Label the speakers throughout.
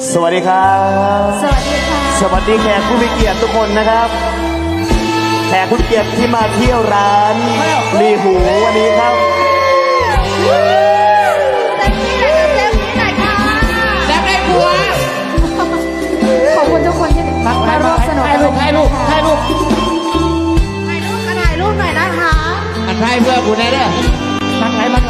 Speaker 1: สวัสดีครับ
Speaker 2: สวัสดีค่ะ
Speaker 1: สวัสดีแขกผู้มีเกียรติทุกคนนะครับแขกผู้มีเกียรติที่มาเที่ยวร้านลีหูวันนี้ครับ
Speaker 2: เต็มที่เลยค่ะเต็มที่เลยค่ะ
Speaker 3: แซ่บได้ผัว
Speaker 2: ขอบคุณทุกคนที่มาร่วมสนุก
Speaker 3: ถ่ายรูปถ่ายรูปถ่ายรูป
Speaker 2: ถ่ายรูปหน่อยนะคะ
Speaker 3: อันถ่ายเพื่อกูแน่เด้อมักไหลมักไหล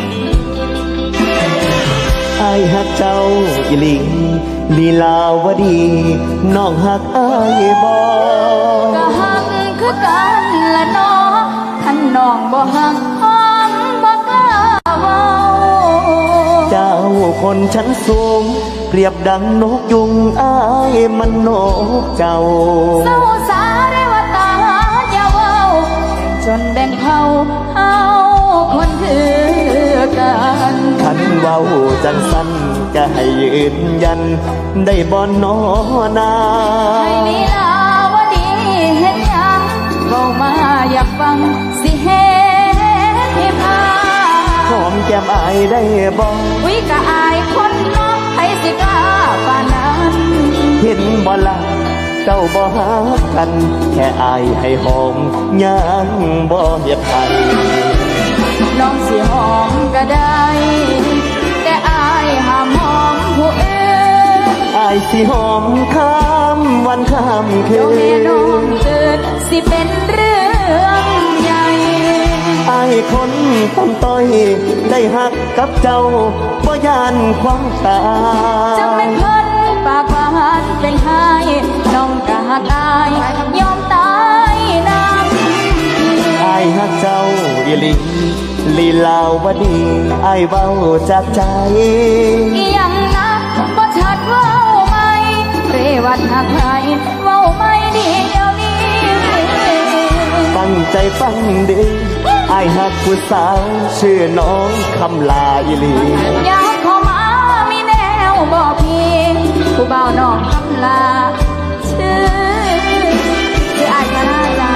Speaker 1: ไอ้ฮักเจ้าอีหลิงลีลาวดีน้องฮักไอ้บอ
Speaker 2: ก็หักคือกันละน้องท่านน้องบ่หักห้องบ่กล้าเว้า
Speaker 1: เจ้าคนชั้นสูงเปรียบดังนกยุงไอ้มันนกเจ้า
Speaker 2: เศร้าสาได้ว่าตาอย่าเว้าจนแบ่งเผ่าเฮาคนคือกัน
Speaker 1: ขันเว้าจังสันจะให้ยืนยันได้บ่นอนา
Speaker 2: ให้ลีลาวดีเฮ็ดหยังเว้ามาอยากฟังสิเฮ็ดให้พา
Speaker 1: หอมแก้มอายได้บ่
Speaker 2: วิกะอายคนเนาะให้สิกล้าปานนั้น
Speaker 1: เห็นบ่ละเจ้าบ่หากัน แค่อายให้หอมยังบ่เฮ็ดให้
Speaker 2: น้องสิหอมก็ได้ แต่อายห้ามหอมผู้อื่น
Speaker 1: อายสิหอมข้ามวันข้ามคื
Speaker 2: เดี๋ยวแม่น้อง
Speaker 1: น
Speaker 2: ตื่นสิเป็นเรื่องใหญ่
Speaker 1: อายคนต้นต้อยได้หักกับเจ้าบ่ยานความตา
Speaker 2: จังเป็นเพิ่นปากหวานเป็นไห้น้องกะหักอายยอมตายนำ
Speaker 1: อายหักเจ้าอีหลีลีลาวดีอายเว้าจากใจ
Speaker 2: อีหยังนะบ่ชัดเว้าไหมเรวัดหักใครเว้าไม่ดีเดี๋ยวนี้
Speaker 1: ตั้งใจฟังดีอายหักผู้สาวชื่อน้องคำลาอีหลี
Speaker 2: อยากเข้ามามีแนวบอกพี่ผู้เบาน้องคำลาชื่ออายก็น่าจะ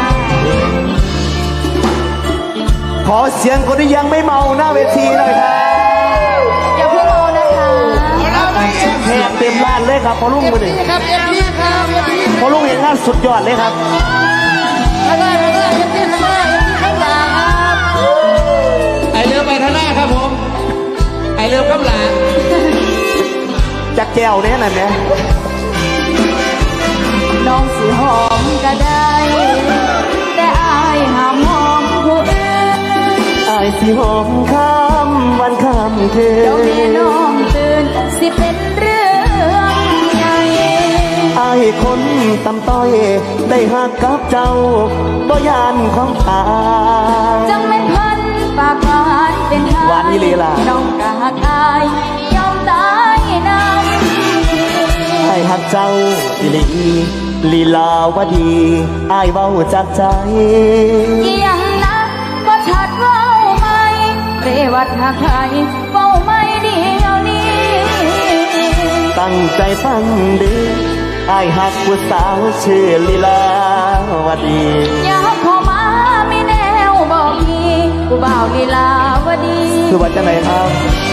Speaker 1: ขอเสียงคนที่ยังไม่เมาหน้าเวทีหน่อยครับ
Speaker 2: อย่าเพิ่งโอนะคะ
Speaker 1: แขกเต็มร้านเลยครับพอลุงมาดิ
Speaker 3: ครับเอ็มพีครับเอ็มพี
Speaker 1: พอลุงเห็นงานสุดยอดเลยครับ
Speaker 3: ข้างหน้าข้างหน้าเอ็มพีข้างหน้าเอ็มพีข้างหลังครับไอเรือไปข้างหน้าครับผมไอเรือข้างหลัง
Speaker 1: จักแก้วเนี่ยนั่นเนี่ย
Speaker 2: น้องสิหอมก็ได้ แต่อายห้ามหอมผู้อื่น
Speaker 1: อายสิหอมข้ามวันข้ามคื
Speaker 2: เดี๋ยวแม่น้อน งตื่นสิเป็นเรื่องใหญ่
Speaker 1: อายคนตำต้อยได้หักกับเจ้าบ่ยานของตา
Speaker 2: จังเป็นพันปากหวานเป็นไห้
Speaker 1: หวานอีหลีล่ะ
Speaker 2: น้องกะหักอายยอมตายนำ
Speaker 1: ให้หักเจ้าอีหลีลีลาวดีอายเว้าจากใจ
Speaker 2: อีหยังนะบ่ชัดเว้าไหมเรวัดหักใครเว้าไม่เดียวนี้
Speaker 1: ตั้งใจฟังดีอายหักผู้สาวชื่อลีลาวดี
Speaker 2: อยากเข้ามามีแนวบอกพี่ผู้บ่าวลีลาวดี
Speaker 1: คือว่าจะไหนครับ